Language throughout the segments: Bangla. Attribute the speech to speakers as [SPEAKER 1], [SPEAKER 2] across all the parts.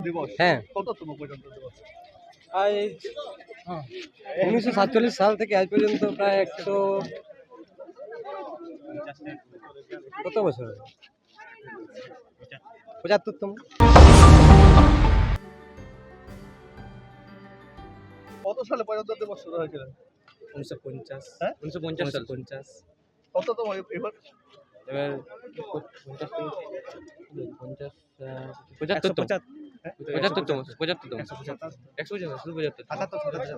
[SPEAKER 1] দিবস
[SPEAKER 2] হ্যাঁ
[SPEAKER 1] কততম প্রজাতন্ত্র দিবস?
[SPEAKER 2] আজ 1947 সাল থেকে আজ পর্যন্ত প্রায় 100 কত বছর 75তম।
[SPEAKER 1] কত সালে প্রজাতন্ত্র দিবস শুরু হয়েছিল?
[SPEAKER 2] 1950
[SPEAKER 1] হ্যাঁ?
[SPEAKER 2] 1950
[SPEAKER 1] কততম এবার?
[SPEAKER 2] এবার 50 75তম 75তম 75তম 100 শুধু 75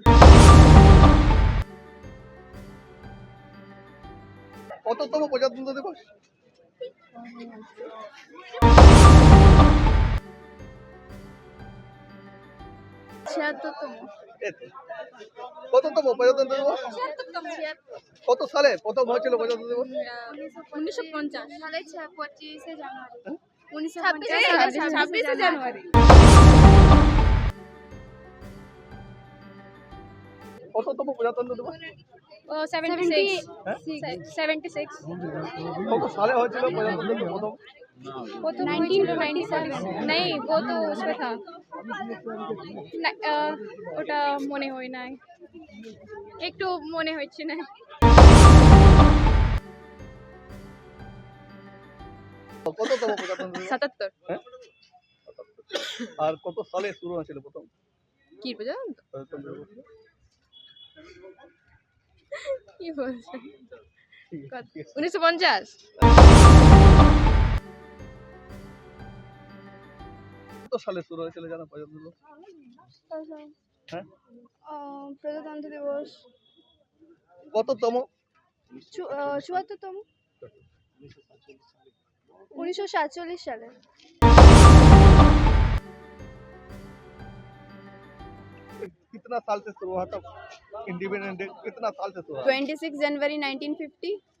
[SPEAKER 1] কততম প্রজাতন্ত্র দিবস?
[SPEAKER 3] ছিয়াত্তরতম।
[SPEAKER 1] এই তো। কততম প্রজাতন্ত্র দিবস? কত সালে প্রথম হয়েছিল প্রজাতন্ত্র দিবস?
[SPEAKER 3] 1950 সালে 25শে জানুয়ারি।
[SPEAKER 4] 26শে জানুয়ারি।
[SPEAKER 1] কততম প্রজাতন্ত্র দিবস?
[SPEAKER 4] 76
[SPEAKER 1] হ্যাঁ?
[SPEAKER 4] 76
[SPEAKER 1] কত সালে হয়েছিল প্রজাতন্ত্র দিবস প্রথম?
[SPEAKER 4] वो तो 1997 नहीं वो तो उसमें था ওটা মনে হয় নাই একটু মনে হচ্ছে না
[SPEAKER 1] কততম প্রজাতন্ত্র দিবস?
[SPEAKER 4] 77
[SPEAKER 1] হ্যাঁ? আর কত সালে শুরু হয়েছিল প্রথম
[SPEAKER 4] কি পর্যন্ত
[SPEAKER 1] প্রজাতন্ত্র দিবস?
[SPEAKER 4] কি বলছে
[SPEAKER 1] ঠিক আছে।
[SPEAKER 4] 1950
[SPEAKER 1] কত সালে শুরু হয়েছিল জানো প্রজাতন্ত্র দিবস? হ্যাঁ?
[SPEAKER 3] প্রজাতন্ত্র দিবস
[SPEAKER 1] কততম?
[SPEAKER 3] 74তম। 1947 সালে।
[SPEAKER 1] कितना साल से शुरू हुआ था इंडिपेंडेंस डे? कितना साल से शुरू हुआ?
[SPEAKER 3] 26 जनवरी 1950।